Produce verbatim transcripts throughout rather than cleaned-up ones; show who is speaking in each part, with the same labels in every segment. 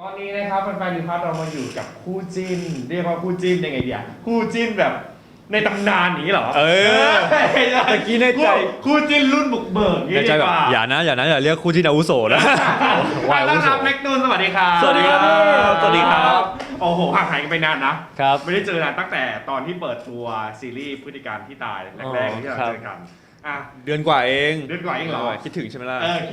Speaker 1: ตอนนี้นะครับแฟนๆนิวคัสเรามาอยู่กับคู่จิ้นเรียกว่าคู่จิ้นยังไงดีอะคู่จิ้นแบบในตำนานนี้เหรอ
Speaker 2: เออตะกี้ในใจ
Speaker 1: คู่จิ้นรุ่นบุกเบิกนี่
Speaker 2: ในใจ
Speaker 1: ดี
Speaker 2: แบบ
Speaker 1: กว่า
Speaker 2: อย่านะอย่านะอย่าเรียกคู่ที่อาวุโสนะ
Speaker 1: วายต้อนรับแม็กนูนสวัสดีครับ
Speaker 2: สวัสดีครับสวัสดีครับ
Speaker 1: โอ้โหห่างหายกันไปนานนะครับ ไม่ได้เจอนานตั้งแต่ตอนที่เปิดตัวซีรีส์พฤติการที่ตายแรกๆที่เราเจอกันอ่ะ
Speaker 2: เดือนกว่าเอง
Speaker 1: เดือนกว่าเองเหรอ
Speaker 2: คิดถึงใช่ไหมล่ะ
Speaker 1: เออ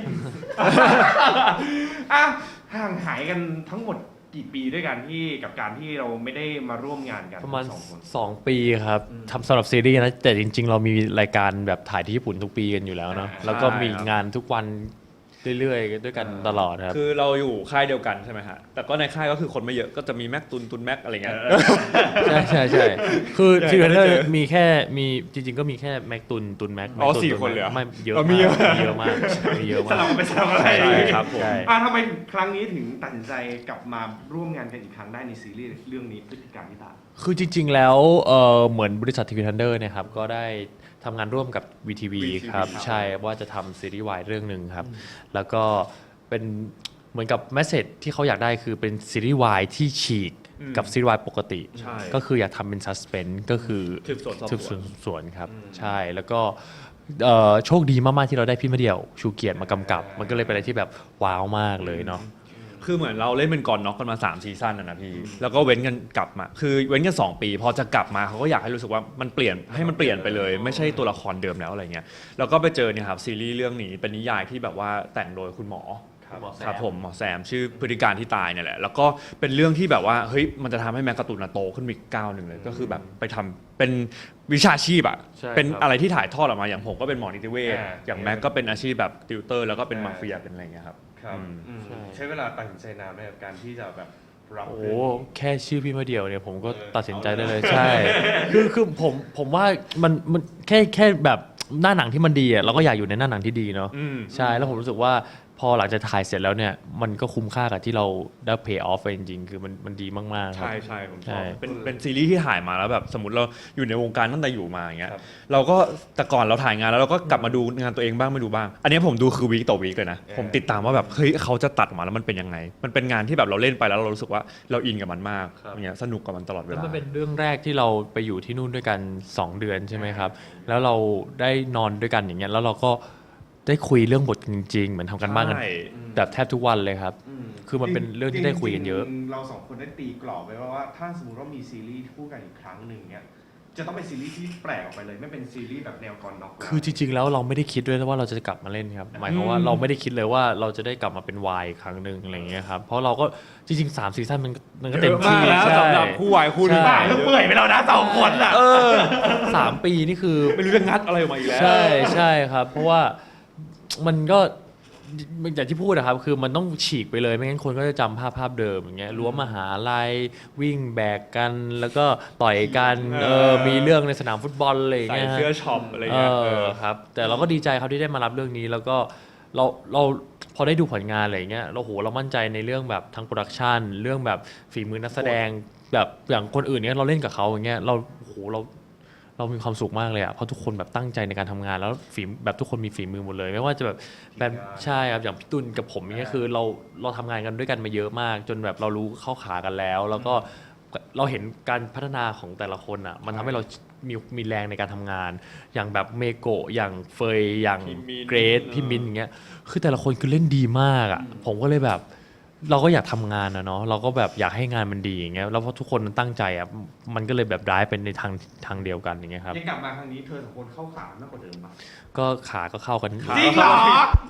Speaker 1: อ่ะห่างหายกันทั้งหมดกี่ปีด้วยกันที่กับการที่เราไม่ได้มาร่วมงานกัน
Speaker 3: ประมาณ
Speaker 1: สองคน
Speaker 3: สองปีครับ
Speaker 1: อืม
Speaker 3: ทำสำหรับซีรีส์นะแต่จริง ๆ เรามีรายการแบบถ่ายที่ญี่ปุ่นทุกปีกันอยู่แล้วเนาะ
Speaker 1: อ่า
Speaker 3: แล้วก็มี
Speaker 2: ใช่ครับ
Speaker 3: งานทุกวันเรื่อยๆด้วยกัน
Speaker 1: อ่า
Speaker 3: ตลอดครับ
Speaker 2: คือเราอยู่ค่ายเดียวกันใช่ไหมฮะแต่ก็ในค่ายก็คือคนไม่เยอะก็จะมีแม็กตุนตุนแม็กอะไรเงี้ย
Speaker 3: ใช่ใช่ใช่คือ
Speaker 2: ใหญ่
Speaker 3: ทีเรนเนอ
Speaker 2: ไม่ได้
Speaker 3: ร์
Speaker 2: เจอ
Speaker 3: มีแค่มีจริง ๆ ก็มีแค่แม็กตุนตุนแม็ก
Speaker 2: อ๋อ
Speaker 3: แม็กตุ
Speaker 2: สี่
Speaker 3: ตุ
Speaker 2: คนเลยเหรอ
Speaker 3: ไม่เยอะ
Speaker 2: อ๋อ
Speaker 3: มาก
Speaker 2: มีเยอะ
Speaker 3: มีเยอะมากมีเยอะ
Speaker 1: ส
Speaker 3: มาก
Speaker 1: ลับไปสลับอะไร
Speaker 2: ใช่ครับผม
Speaker 3: ใช่
Speaker 1: อ่ะทำไมครั้งนี้ถึงตัดสินใจกลับมาร่วมงานกันอีกครั้งได้ในซีรีส์เรื่องนี้พฤติการที่ตาย
Speaker 3: คือจริง ๆ แล้วเออเหมือนบริษัททีวีทันเดอร์เนี่ยครับก็ได้ทำงานร่วมกับ วี ที วี
Speaker 1: วี ที วี
Speaker 3: ครับ
Speaker 1: ครับ
Speaker 3: ใช่ว่าจะทำซีรีส์วายเรื่องหนึ่งครับ แล้วก็เป็นเหมือนกับแมสเซจที่เขาอยากได้คือเป็นซีรีส์วายที่ฉีก
Speaker 2: อืม
Speaker 3: กับซีรีส์วายปกติ
Speaker 2: ใช่
Speaker 3: ก็คืออยากทำเป็นซัสเพนส์ก็คือ
Speaker 2: สืบสวนสอบสวน
Speaker 3: สืบสวนสวนครับ ใช่แล้วก็เอ่อโชคดีมาก ๆ ที่เราได้พี่มะเดี่ยว ชูเกียรติมากำกับ มันก็เลยเป็นอะไรที่แบบว้าวมากเลยเนาะ
Speaker 2: คือเหมือนเราเล่นเป็นก่อนน็อกกันมาสามซีซั่นนะนะพี่แล้วก็เว้นกันกลับมา คือเว้นกันสองปี พอจะกลับมาเขาก็อยากให้รู้สึกว่ามันเปลี่ยนให้มันเปลี่ยนไปเลย ไม่ใช่ตัวละครเดิมแล้วอะไรเงี้ยแล้วก็ไปเจอเนี่ยครับซีรีส์เรื่องนี้เป็นนิยายที่แบบว่าแต่งโดยคุณหมอ
Speaker 3: หมอแซม
Speaker 2: ครับผมหมอแซมชื่อพฤติการที่ตายเนี่ยแหละแล้วก็เป็นเรื่องที่แบบว่าเฮ้ยมันจะทำให้แมกกาตูนโตขึ้นอีกก้าวหนึ่งเลยก็คือแบบไปทำเป็นวิชาชีพอะ
Speaker 3: ใช่
Speaker 2: เป็น
Speaker 3: ครับ
Speaker 2: อะไรที่ถ่ายทอดออกมาอย่างผมก็เป็นหมอนิติเวช
Speaker 1: อ่า
Speaker 2: อย่างแม็กก็เป็นอาชีพแบบติวเตอร์แล้วก็เป็นมาเฟียเป็นอะไรเงี้ยครับ
Speaker 1: ครับ
Speaker 2: อืม
Speaker 1: อืม
Speaker 3: ใช่
Speaker 1: ใช้เวลาตัดสินใจนานไหมกับการที่จะแบบรับ
Speaker 3: โอ้
Speaker 1: เรื่องนี้
Speaker 3: แค่ชื่อพี่มะเดี่ยวเนี่ยผมก็
Speaker 1: เออ
Speaker 3: ตัดสินใจได้เลย
Speaker 1: เอาเลย
Speaker 3: ใช่ คือคือผมผมว่ามันมันแค่แค่แบบหน้าหนังที่มันดีอ่ะเราก็อยากอยู่ในหน้าหนังที่ดีเนาะ
Speaker 2: อืม
Speaker 3: ใช่แล้วผมรู้สึกว่าพอหลังจากถ่ายเสร็จแล้วเนี่ยมันก็คุ้มค่ากับที่เราได้ pay off ไปจริงๆ คือมันมันดีมากๆครับ
Speaker 2: ใช่ใช่ผมช
Speaker 3: ใช่
Speaker 2: อบเป็นเป็นซีรีส์ที่ถ่ายมาแล้วแบบสมมติเราอยู่ในวงการตั้งแต่อยู่มาอย่างเงี้ย
Speaker 1: ครับ
Speaker 2: เราก็แต่ก่อนเราถ่ายงานแล้วเราก็กลับมาดูงานตัวเองบ้างไม่ดูบ้าง อันนี้ผมดูคือวีคต่อวีคเลยนะ
Speaker 1: เออ
Speaker 2: ผมติดตามว่าแบบเฮ้ยเขาจะตัดออกมาแล้วมันเป็นยังไง มันเป็นงานที่แบบเราเล่นไปแล้วเรารู้สึกว่าเราอินกับมันมากอย่างเงี้ยสนุกกับมันตลอดเว
Speaker 3: แล้ว
Speaker 2: ลา
Speaker 3: มันเป็นเรื่องแรกที่เราไปอยู่ที่นู่นด้วยกันสองเดือนใช่ไหมครับ แล้วเราได้นอนด้วยกันอย่างเงี้ยแล้วเราก็ได้คุยเรื่องบทจริงๆ เหมือนทำกันบ้านกัน
Speaker 2: ใช่
Speaker 3: แบบแทบทุกวันเลยครับ
Speaker 1: ม
Speaker 3: คือมันเป็นเรื่องที่ได้คุยกันเยอะ
Speaker 1: จริงๆเราสองคนได้ตีกรอบไว้ว่าว่าถ้าสมมติว่ามีซีรีส์คู่กันอีกครั้งหนึ่งเนี่ยจะต้องเป็นซีรีส์ที่แปลกออกไปเลย ไม่เป็นซีรีส์แบบแนวก่อนน็อกแล้ว
Speaker 3: คือจริงๆ แล้วเราไม่ได้คิดด้วยว่าเราจะกลับมาเล่นครับ หมายความว่า
Speaker 2: อืม
Speaker 3: เราไม่ได้คิดเลยว่าเราจะได้กลับมาเป็นวายครั้งหนึ่งอะไรอย่างเงี้ยครับ เพราะเราก็จริงๆสามซีซั่นมันมันก็เต็มที่
Speaker 2: เยอะมากแล้ว
Speaker 3: ใช่
Speaker 2: สำหรับคู่วายคู่หนึง
Speaker 3: ใช่
Speaker 1: บ้าก็เปื่อยไปแล้วนะสองคนอ่ะ
Speaker 2: เออ
Speaker 3: สามปีนี่คือ
Speaker 2: ไม่รู้จะงัดอะไรออกมาอีกแล้ว
Speaker 3: ใช่ใช่ครับ เพราะว่ามันก็อย่างที่พูดนะครับ คือมันต้องฉีกไปเลยไม่งั้นคนก็จะจำภาพภาพเดิมอย่างเงี้ยรั้วมหาลัยวิ่งแบกกัน แล้วก็ต่อยกัน
Speaker 2: เออ
Speaker 3: เออมีเรื่องในสนามฟุตบอลอะไรอย่าง
Speaker 2: ใส่
Speaker 3: เงี้ยฮะ
Speaker 2: เสื้อช็อปอะไร
Speaker 3: เอ
Speaker 2: เงี้ยเอ
Speaker 3: อ
Speaker 2: อ
Speaker 3: ครับแต่เราก็ดีใจครับที่ได้มารับเรื่องนี้แล้วก็เราเราพอได้ดูผลงานอะไรอย่างเงี้ยเราโหเรามั่นใจในเรื่องแบบทั้งโปรดักชันเรื่องแบบฝีมือนักแสดงแบบอย่างคนอื่นเนี้ยเราเล่นกับเขาอย่างเงี้ยเราโหเราเรามีความสุขมากเลยอ่ะเพราะทุกคนแบบตั้งใจในการทำงานแล้วฝีแบบทุกคนมีฝีมือหมดเลย ไม่ว่าจะแบบแบบใช่ครับอย่างพี่ตุลกับผมเนี้ยคือเราเราทำงานกันด้วยกันมาเยอะมาก จนแบบเรารู้เข้าขากันแล้ว แล้วก็เราเห็นการพัฒนาของแต่ละคนอ่ะมันทำให้เรามีมีแรงในการทำงาน อย่างแบบเมโกะอย่างเฟยอย่าง
Speaker 2: พี่มิ้น
Speaker 3: เกรซพี่มินอย่างเงี้ยคือแต่ละคนคือเล่นดีมากอ่ะผมก็เลยแบบเราก็อยากทำงานนะเนาะเราก็แบบอยากให้งานมันดีอย่างเงี้ยแล้วพอทุกคนมันตั้งใจอ่ะมันก็เลยแบบร้ายเป็นในทางทางเดียวกันอย่างเงี้ยครับ
Speaker 1: ยังกลับมาครั้งนี้เธอสองคนเข้าขามากกว่าเดิมปะ
Speaker 3: ก็ขาก็เข้ากัน
Speaker 2: ขา
Speaker 1: จริงเหรอ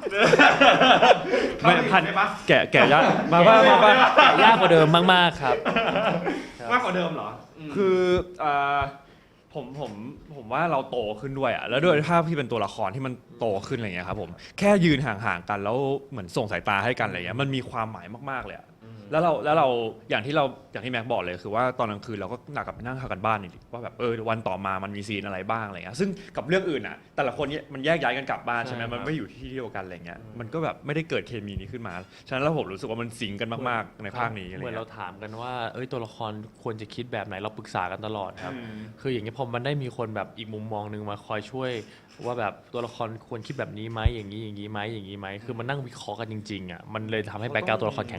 Speaker 2: ไม่พัน
Speaker 1: ใช่ปะ
Speaker 2: แกะแกะยากมาบ้างมาบ้าง
Speaker 3: ยากกว่าเดิมมากๆครับ
Speaker 1: มากกว่าเดิมเหรอม
Speaker 2: คืออ่าผมผมผมว่าเราโตขึ้นด้วยอ่ะแล้วด้วยภาพที่เป็นตัวละครที่มันโตขึ้นอะไรเงี้ยครับผมแค่ยืนห่างๆกันแล้วเหมือนส่งสายตาให้กันอะไรเงี้ยมันมีความหมายมากๆเลยอะแล้วเราแล้วเราอย่างที่เราอย่างที่แม็กบอกเลยคือว่าตอนกลางคืนเราก็หนักกับไปนั่งทำกันบ้านอีกว่าแบบเออวันต่อมามันมีซีนอะไรบ้างอะไรเงี้ยซึ่งกับเรื่องอื่นอ่ะแต่ละคนเนี่ยมันแยกย้ายกันกลับบ้านใช่ไหม
Speaker 3: ใช่ครับ
Speaker 2: มันไม่อยู่ที่เดียวกันอะไรเงี้ยมันก็แบบไม่ได้เกิดเคมีนี้ขึ้นมาฉะนั้นแล้วผมรู้สึกว่ามันสิงกันมากๆในภาคนี้อะไร
Speaker 3: เหมือน
Speaker 2: เงี้
Speaker 3: เรา
Speaker 2: ย
Speaker 3: ถามกันว่าเอ้ยตัวละครควรจะคิดแบบไหนเราปรึกษากันตลอดครับ
Speaker 2: อืม
Speaker 3: คืออย่างนี้ยพอมันได้มีคนแบบอีกมุมมองหนึงมาคอยช่วย ว่าแบบตัวละครควรคิดแบบนี้ไหมอย่างนี้อย่างนี้ไหมอย่างนี้ไหมคือมันนั่งวิเคราะห์กันจริงๆอ่ะมันเลยทำให้แบ็คกราวด์ตัวละครแข็งแรง
Speaker 2: ต้อง
Speaker 3: มาก
Speaker 2: บอก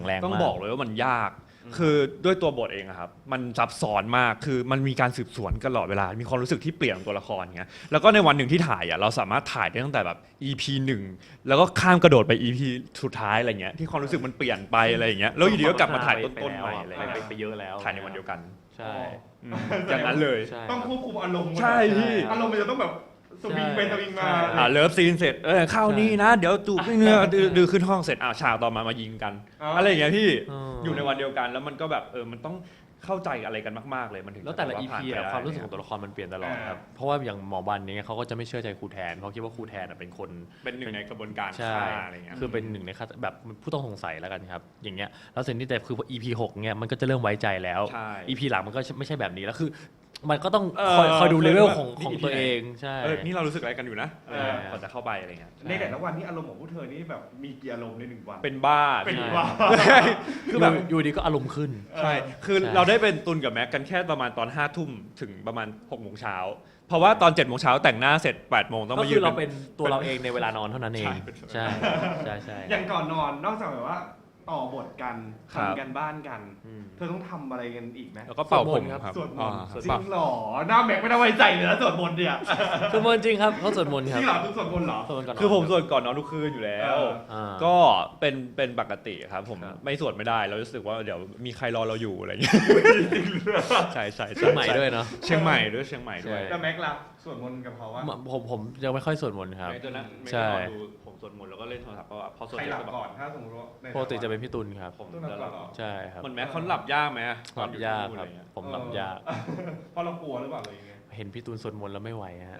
Speaker 2: บอกเลยว่ามันยาก คือด้วยตัวบทเองอะครับมันซับซ้อนมากคือมันมีการสืบสวนตลอดเวลามีความรู้สึกที่เปลี่ยนตัวละครเงี้ยแล้วก็ในวันหนึ่งที่ถ่ายอะเราสามารถถ่ายได้ตั้งแต่แบบ อี พี หนึ่งแล้วก็ข้ามกระโดดไป อี พี สุดท้ายอะไรเงี้ยที่ความรู้สึกมันเปลี่ยนไปอะไรอย่างเงี้ยแล้วอยู่ดีก็กลับมาถ่ายต้นๆใหม่อะไร
Speaker 3: ไป
Speaker 2: เงี้ย
Speaker 3: ไปเยอะแล้ว
Speaker 2: ถ่ายในวันเดียวกัน
Speaker 3: ใช่
Speaker 2: อืมอย่างนั้นเลย
Speaker 3: ใช่
Speaker 1: ต้องควบคุมอารมณ์
Speaker 2: ใช่พี่
Speaker 1: อารมณ์มันจะต้องแบบสวิงไปสวิงมา
Speaker 2: อ่าเลิฟซีนเสร็จเออเข้านี่นะเดี๋ยวจูบเนื้อดื้อดื้อขึ้นห้องเสร็จอ่าฉากต่อมามายิงกันอะไรอย่างเงี้ยพี่
Speaker 3: เออ
Speaker 2: อยู่ในวันเดียวกันแล้วมันก็แบบเออมันต้องเข้าใจอะไรกันมากๆเลยมันถึง
Speaker 3: แล้วแต่ละ
Speaker 2: จ
Speaker 3: อี
Speaker 2: บบ
Speaker 3: พี
Speaker 2: ผ่นไป
Speaker 3: อะ
Speaker 2: ได้
Speaker 3: ความรู้สึกของตัวละครมันเปลี่ยนตลอดครับ เพราะว่าอย่างหมอบันเนี้ยเขาก็จะไม่เชื่อใจครูแทนเพราะคิดว่าครูแทนอะเป็นคน
Speaker 2: เป็นหนึ่งในกระบวนการ
Speaker 3: ใช่
Speaker 2: ฆ่าอะไรเงี้ย
Speaker 3: คือเป็นหนึ่งในฆาตแบบผู้ต้องสงสัยแล้วกันครับอย่างเงี้ยแล้วสิ่งที่แต่คือพอ อี พี หกเนี่ยมันก็จะเริ่มไว้ใจแล้ว
Speaker 2: ใช่
Speaker 3: อี พี หลังมันก็ไม่ใช่แบบนี้แล้วคือ มันก็ต้อง
Speaker 2: เออ
Speaker 3: คอยคอยดูเลเวลของ
Speaker 2: นี่
Speaker 3: ของ
Speaker 2: อี พี
Speaker 3: ตัว
Speaker 2: ไหน
Speaker 3: เองใช่
Speaker 2: เออนี่เรารู้สึกอะไรกันอยู่นะ
Speaker 1: เออ
Speaker 2: ก่อนจะเข้าไปอะไรเงี้ย
Speaker 1: ในแต่ละวันนี้อารมณ์ของพวกเธอนี่แบบมีกี่อารมณ์ในหนึ่งวัน
Speaker 2: เป็นบ้า
Speaker 1: เป็น
Speaker 2: พี่
Speaker 1: บ้า
Speaker 3: คือแบบอยู่ดีก็อารมณ์ขึ้น
Speaker 2: ใช่คือ
Speaker 3: ใช่
Speaker 2: เราได้เป็นตุนกับแม็กกันแค่ประมาณตอนห้าทุ่มถึงประมาณหกโมงเช้าเพราะว่าตอนเจ็ดโมงเช้าแต่งหน้าเสร็จแปดโมงต้อง
Speaker 3: ก็
Speaker 2: มายื
Speaker 3: คื
Speaker 2: น
Speaker 3: อเราเป็นตัวเราเองในเวลานอนเท่านั้นเอง
Speaker 2: ใช่เป็น
Speaker 3: ใช่ใช่ใช่
Speaker 1: อย่างก่อนนอนนอกจากแบบว่าต่อบทกัน
Speaker 2: ครับ
Speaker 1: ทำกันบ้านกัน
Speaker 3: อืม
Speaker 1: เธอต้องทำอะไรกันอีกไหม
Speaker 2: แล้วก็เป่าผม
Speaker 3: สวดมนต์ครับ
Speaker 2: ครับ
Speaker 1: สวดมนต์
Speaker 2: อ่า
Speaker 3: สวด
Speaker 1: จริงเหรอหน้าแม็กไม่ได้ไว้ใจเลยนะสวดมนต์เนี่ย
Speaker 3: สวดมนต์จริงครับเขาสวดมนต์
Speaker 1: จ
Speaker 3: ครับ
Speaker 1: ริงเหรอทุกสวดมนต์เหรอ
Speaker 3: สวดมนต์ก่อนนน
Speaker 2: คือผมสวดก่อนนอนทุกคืนอยู่แล้ว
Speaker 1: เออ
Speaker 3: อ่า
Speaker 2: ก็เป็นเป็นปกติครับผม
Speaker 3: ครับ
Speaker 2: ไม่สวดไม่ได้เรารู้สึกว่าเดี๋ยวมีใครรอเราอยู่อะไรอย่างเงี้ยใช่ใช่
Speaker 3: เชียงใหม่ด้วยเนาะ
Speaker 2: เชียงใหม่ด้วยเชียงใหม่ด้วย
Speaker 3: ใช่
Speaker 1: แล้วแม็กล่ะสวดมนต์กับเขาว่า
Speaker 3: ผมผมยังไม่ค่อยสวดมนต์ครับ
Speaker 2: ไม่ตัวนั้นไม่
Speaker 3: ใช่
Speaker 2: ได้นอนดูผมสวดมนต์แล้วก็เล่นโทรศัพท์เพราะว่าพอสวด
Speaker 1: ใคร
Speaker 2: เสร็
Speaker 1: ห
Speaker 2: จ
Speaker 1: ลับ
Speaker 2: ก็แบบ
Speaker 1: ก่อนถ้าสมมติว่าใน
Speaker 3: ปกติจะเป็นพี่ตุลครับ
Speaker 2: ผม
Speaker 1: ต้องหลับ
Speaker 2: จะห
Speaker 1: ก่
Speaker 2: ลั
Speaker 1: อน
Speaker 2: บ
Speaker 1: เหรอ
Speaker 3: ใช่ครับ
Speaker 2: เหมือนแม้เขาหลับยากไหมอะ
Speaker 3: หลับยากครับ
Speaker 2: ตอนอยู่ที่นู่นอะไเงี้ย
Speaker 3: ผมหลับยาก
Speaker 1: เพราะเรากลัวหรือเปล่าอะไรอย่างเงี้ย
Speaker 3: เห็นพี่ตูนสวดมนต์แล้วไม่ไหวฮะ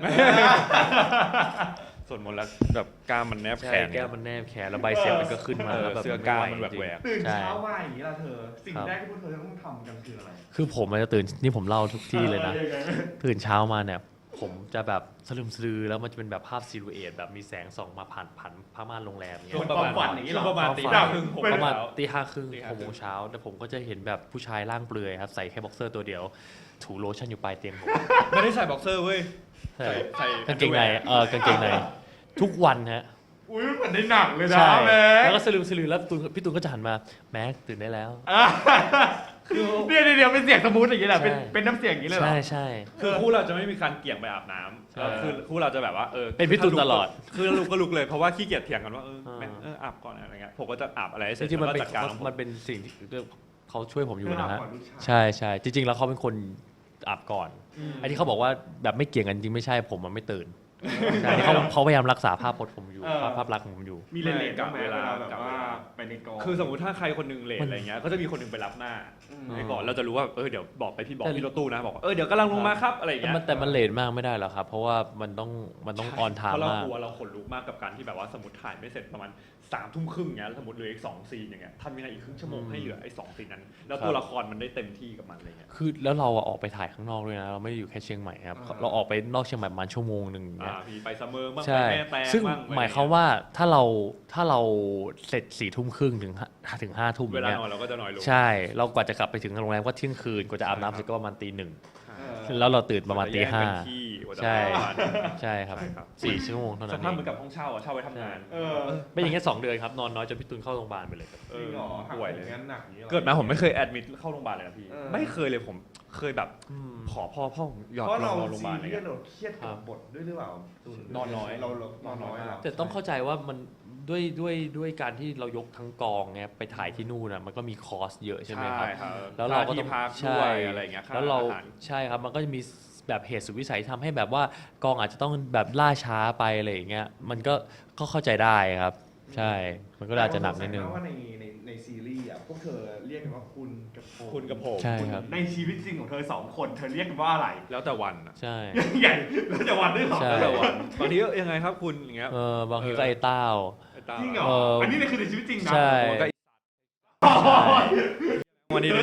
Speaker 2: สวดมนต์แล้วแบบกล้ามมันแนบแข
Speaker 3: ใช่
Speaker 2: น
Speaker 3: แก้วมันแนบแขนแล้วใบเสียบมันก็ขึ้นมา
Speaker 2: เออ
Speaker 3: แล้วแบบ
Speaker 2: เสื้อกล้ามมันแบบแหวก
Speaker 1: ตื่น
Speaker 3: ใช่
Speaker 1: เช้ามาอย่างนี้ล่ะเธอ สิ่ง
Speaker 3: ครับ
Speaker 1: แรกที่พวกเธอต้องทำกันคืออะไร
Speaker 3: คือผมมันจะตื่นนี่ผมเล่าทุกที่เลยนะ
Speaker 1: ออยังไง
Speaker 3: ตื่นเช้ามาเนี่ย ผมจะแบบสลึมสลือแล้วมันจะเป็นแบบภาพซิลูเอตแบบมีแสงส่องมาผ่านผ่านผ้าม่านโรงแรมเงี้
Speaker 1: ส่
Speaker 3: ย
Speaker 1: วนความฝันอย่างนี้เหรอ
Speaker 2: ประมาณตี
Speaker 3: คว
Speaker 2: ห้า
Speaker 3: ฝัน
Speaker 2: ครึ่งหก
Speaker 3: ประมาณ
Speaker 2: โมงเช้า
Speaker 3: ตีห้าครึ่ง
Speaker 2: ตีห้า
Speaker 3: หกโมงเช้าแต่ผมก็จะเห็นแบบผู้ชายร่างเปลือยครับใส่แค่บ็อกเซอร์ตัวเดียว ถูโลชั่นอยู่ปลายเตียงผม
Speaker 2: ไม่ได้ใส่บ็อกเซอร์เว้ย
Speaker 3: ใช่
Speaker 2: ใส่
Speaker 3: กางเกงในเออกางเกงในทุกวันฮะ
Speaker 1: อุ้ยเหมือนในหนังเลยนะ
Speaker 3: ใช่
Speaker 1: แม็
Speaker 3: แล้ว
Speaker 1: ก
Speaker 3: ก็สลืมสลือแล้วตูนพี่ตูนก็จะหันมาแม็กตื่นได้แล้ว
Speaker 1: เดี๋ยวเดี๋ยวเป็นเสียงสมูทอย่างนี้แหละเป็น
Speaker 3: ใช่
Speaker 1: เป็นน้ำเสียงอย่างนี้เลยเหรอ
Speaker 3: ใช่ใช่
Speaker 2: คือคู่เราจะไม่มีการเกี่ยงไปอาบน้ำ
Speaker 3: ใช่
Speaker 2: แล้วคือคู่เราจะแบบว่าเออ
Speaker 3: เป็นพี่ตูนตลอด
Speaker 2: คือลุกก็ลุกเลยเพราะว่าขี้เกียจเถียงกันว่าเออ
Speaker 3: อ่า
Speaker 2: แม่งเอออาบก่อนอะไรเงี้ยผมก็จะอาบอะไรให้เส
Speaker 3: จ
Speaker 2: ร็จ
Speaker 3: ริงๆมัน
Speaker 2: แล้ว
Speaker 3: เป็น
Speaker 2: ก็จัดการของผม
Speaker 3: มันเป็นสิ่งที่เขาช่วยผมอยู่นะฮะ
Speaker 1: เพื่อเอาก่อนลูกชาย
Speaker 3: ใช่ใช่จริง ๆ แล้วเขาเป็นคนอาบก่อนไอ้ที่เขาบอกว่าแบบไม่เกี่ยงกันจริงไม่ใช่ผมมันไม่ตื่นใช่ที่เขาเขาพยายามรักษาภาพพจน์ผมอยู่
Speaker 1: เออ
Speaker 3: ภาพภาพลักษณ์ของผมอยู่
Speaker 1: มีเลนเลน
Speaker 2: กั
Speaker 1: กับบ เว
Speaker 2: เว
Speaker 1: ลา
Speaker 2: ลา
Speaker 1: แบบว่าไปในกอง
Speaker 2: คือสมมติถ้าใครคนหนึงเลท
Speaker 3: มัน
Speaker 2: อะไรเงี้ยก็จะมีคนหนึงไปรับหน้า
Speaker 1: ม
Speaker 2: ให้ก่อนเราจะรู้ว่าเออเดี๋ยวบอกไปพี่บอก
Speaker 3: แต่
Speaker 2: พี่รถตู้นะบอกว่าเออเดี๋ยวกำลังลงมาครับอะไรอย่าง
Speaker 3: แต่
Speaker 2: เงี้ย
Speaker 3: มันแต่มันเลทมากไม่ได้หรอกครับ เพราะว่ามันต้องมันต้องออนไท
Speaker 2: เพ
Speaker 3: ม์
Speaker 2: ราะเรา
Speaker 3: มาก
Speaker 2: กลัวเราขนลุกมากกับการที่แบบว่าสมมติถ่ายไม่เสร็จประมาณสามทุ่มครึ่งเงี้ยสมมติเหลืออีกสองซีนอย่างเงี้ยทำยังไงอีกครึ่งชั่วโมงให้เหลือไอ้สองซีนนั้น แล้วตัวละครมันได้เต็มที่กับมันอะไรเงี้ย
Speaker 3: คือแล้วเราอะออกไปถ่ายข้างนอกด้วยนะ เราไม่ได้อยู่แค่เชียงใหม่ครับ
Speaker 1: อ่า
Speaker 3: เราออกไปนอกเชียงใหม่ประมาณชั่วโมงหนึ่งอย่าง
Speaker 2: อ่า
Speaker 3: เงี้ย
Speaker 2: พี่ไปซัมเมอร์บ้างไป
Speaker 3: ใช่
Speaker 2: แม่แตง
Speaker 3: ซึ่ง
Speaker 2: บ้าง
Speaker 3: หมายความว่าถ้าเราถ้าเราเสร็จสี่ทุ่มครึ่งถึงห้าถึงห้าทุ่มอ
Speaker 2: เว
Speaker 3: ย่าง
Speaker 2: ลา
Speaker 3: เงี้ย
Speaker 2: นอนเราก็จะน้อยลง
Speaker 3: ใช่ เรากว่าจะกลับไปถึงโรงแรมก็เที่ยงคืนกว่าจะอาบน้ำเสร็จก็ประมาณตีหนึ่ง
Speaker 1: เออ
Speaker 3: แล้วเราตื่นประมาณตีห้า
Speaker 2: กว่จะแยกเป็นที่กว่าจะ
Speaker 3: ใช่
Speaker 2: ประมาณ
Speaker 3: ใช่ครับ
Speaker 2: ใช่ครับ
Speaker 3: สี่ชั่วโมงเท่า
Speaker 2: ส
Speaker 3: นั้น
Speaker 2: ภาพ
Speaker 3: เอ
Speaker 2: เหมือง นกับห้องเช่าอะเช่าไว้ทำงาน
Speaker 1: เออ
Speaker 3: ไม่อย่างเงี้ยสองเดือนครับนอนน้อยจนพี่ตุลเข้าโรงพยาบาลไปเลยครับ
Speaker 2: เอ
Speaker 1: จริ
Speaker 2: อง
Speaker 1: เหรอหัก
Speaker 2: ป่วยเลย
Speaker 1: งั้นหนักอย่างนี้หรอ
Speaker 2: เกิดมาผมไม่เคยแอดมิดเข้าโรงพยาบาลเลยนะพี่
Speaker 1: เออ
Speaker 2: ไม่เคยเลยผมเคยแบบขอพ่อพ่อหยอด
Speaker 1: เพราะ
Speaker 2: น
Speaker 1: เรา
Speaker 2: อนโรงพยาบาลอะไร
Speaker 1: ซีเรีย
Speaker 2: เงี้
Speaker 1: ส
Speaker 2: ย
Speaker 1: เราเครียดกับบทด้วยหรือเปล่าตู
Speaker 2: นอนน้อย
Speaker 1: เราเรานอนน้อยเหรอ
Speaker 3: แต่ต้องเข้าใจว่ามันด้วยด้วยด้วยการที่เรายกทั้งกองเนี่ยไปถ่ายที่นู่นนะมันก็มีคอสเยอะใช่ไหมครับ
Speaker 2: ครับ
Speaker 3: แล้วเราก็
Speaker 2: ค่
Speaker 3: ต้อง
Speaker 2: ที่พัก
Speaker 3: ใช่
Speaker 2: ด้วยอะไรเงี้ยค่
Speaker 3: แล้วเรา
Speaker 2: อาหาร
Speaker 3: ใช่ครับมันก็จะมีแบบเหตุสุดวิสัยทำให้แบบว่ากองอาจจะต้องแบบล่าช้าไปอะไรอย่างเงี้ยมันก็ก็เข้าใจได้ครับ ใช่มันก็อาจจะหนักนิดนึง
Speaker 1: แต่ว่าในในในซีรีส์อ่ะพวกเธอเรียกกันว่าคุณกับผม
Speaker 2: คุณกับผม
Speaker 3: ใช่ครับ
Speaker 1: ในชีวิตจริงของเธอสองคนเธอเรียกกันว่าอะไร
Speaker 2: แล้วแต่วันอะ
Speaker 3: ใช่
Speaker 1: ใหญ่แล้วจะวันด้วยเหรอ
Speaker 3: ใช่
Speaker 2: แล้วแต่วันบางทีก็ยังไงครับคุณอย่างเงี้ย
Speaker 3: เออบางทีก็ไอ้เต้า
Speaker 2: ไอ้ตา
Speaker 1: จริงเหรอ
Speaker 3: เอออั
Speaker 1: อันนี้เนี่ยคือในชีวิตจริงนะ
Speaker 3: ใช่
Speaker 2: ผมก็
Speaker 1: อ๋อ
Speaker 2: วันนี้นึง